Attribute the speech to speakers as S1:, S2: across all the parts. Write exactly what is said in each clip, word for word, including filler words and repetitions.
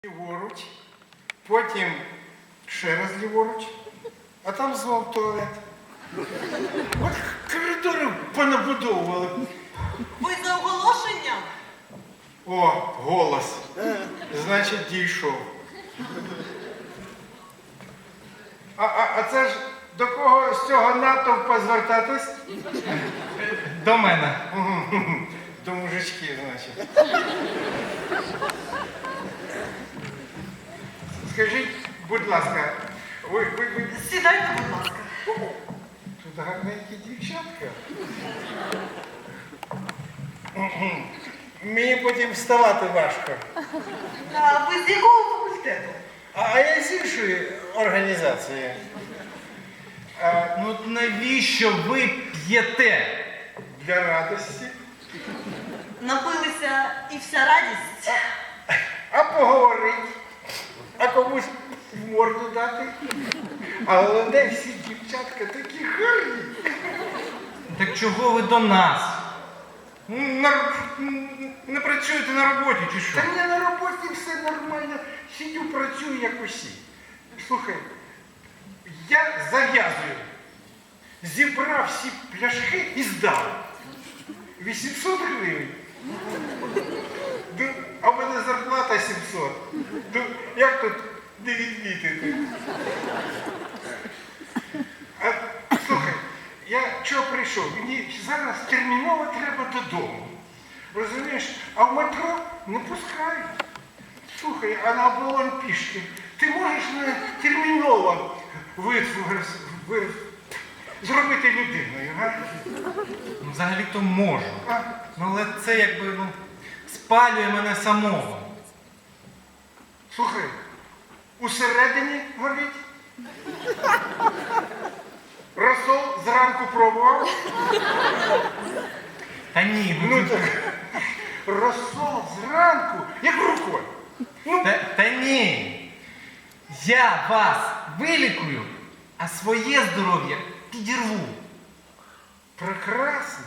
S1: Ліворуч, потім ще раз ліворуч, а там знов туалет. От коридори понабудовували.
S2: Ви за оголошенням?
S1: О, голос. Значить, дійшов. А, а, а це ж до кого з цього натовпа звертатись?
S3: До мене.
S1: До мужичків, значить. Скажіть, будь ласка, ви, ви, ви...
S2: Сідайте, будь ласка.
S1: Тут гарненькі дівчатка. Мені потім вставати важко.
S2: А ви з якого факультету?
S1: А я з іншої організації. А,
S3: Ну навіщо ви п'єте?
S1: для радості.
S2: Напилися і вся радість.
S1: А поговорити, а комусь в морду дати. А головне, всі дівчатка такі гарні.
S3: Так чого ви до нас?
S1: Ну, на-
S3: Не працюєте на роботі чи що?
S1: Та мені на роботі все нормально. Сидю, працюю, як усі. Слухай, я зав'язую. Зібрав всі пляшки і здав. вісімсот гривень. Ну, а в мене зарплата сімсот. Ну, як тут не відмітити? А, слухай, я чого прийшов? Мені зараз терміново треба додому. Розумієш? А в метро не пускають. Слухай, а на оболонь пішки. Ти можеш мене терміново витвор- ви- зробити людиною, га?
S3: Ну, взагалі-то можу.
S1: А?
S3: Ну, але це якби ну, спалює мене самого.
S1: Слухай, усередині горить. Розсол зранку пробував.
S3: Та ні, ну,
S1: Ну так, розсол зранку, як рукою. Ну,
S3: та, та ні. Я вас вилікую, а своє здоров'я підірву.
S1: прекрасно.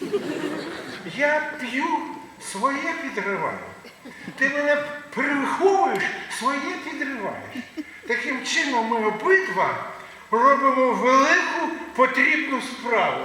S1: Я п'ю, своє підриваю. Ти мене переховуєш, своє підриваєш. Таким чином ми обидва робимо велику потрібну справу.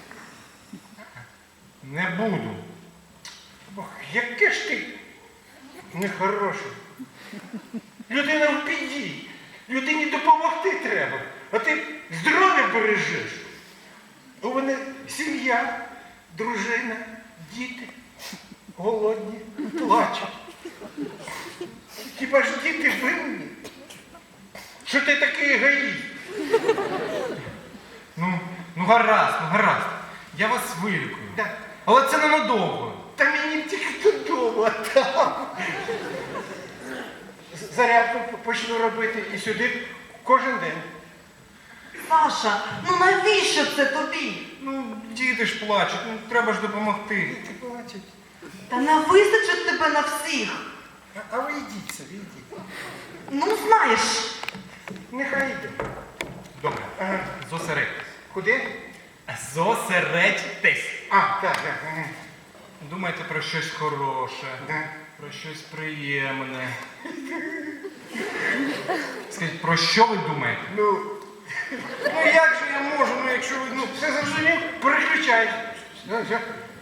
S3: Не буду.
S1: Ох, яке ж ти нехороше. Людина в біді. Людині допомогти треба. А ти здоров'я бережеш. У мене сім'я, дружина, діти. Голодні, плачуть. Хіба ж діти винні? Що ти такий егоїст?
S3: Ну, ну гаразд, ну гаразд. Я вас вилікую.
S1: Да.
S3: Але це ненадовго.
S1: Та мені тільки додому, а там. Зарядку почну робити і сюди кожен день.
S2: Саша, ну навіщо це тобі?
S3: Ну, діти ж плачуть, ну треба ж допомогти.
S1: Діти плачуть.
S2: Та не вистачить тебе на всіх.
S1: А, а ви йдіть собі, йдіть.
S2: Ну, знаєш.
S1: Нехай йде.
S3: Добре,
S1: Ага.
S3: зосередьтесь.
S1: Куди?
S3: Зосередьтесь.
S1: А, так, так. ага.
S3: Думайте про щось хороше,
S1: Да.
S3: про щось приємне. Скажіть, про що ви думаєте?
S1: Ну, ну як же я можу, ну якщо ви ну, все зрозумів, переключай. Ну, все.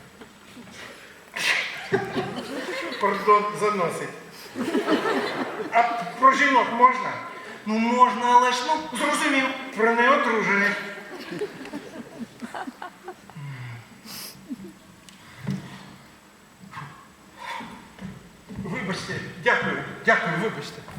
S1: Пардон, заносить. А про жінок можна?
S3: Ну можна, але ж ну.
S1: Зрозумів, про неодружених. Вибачте, дякую, дякую, вибачте.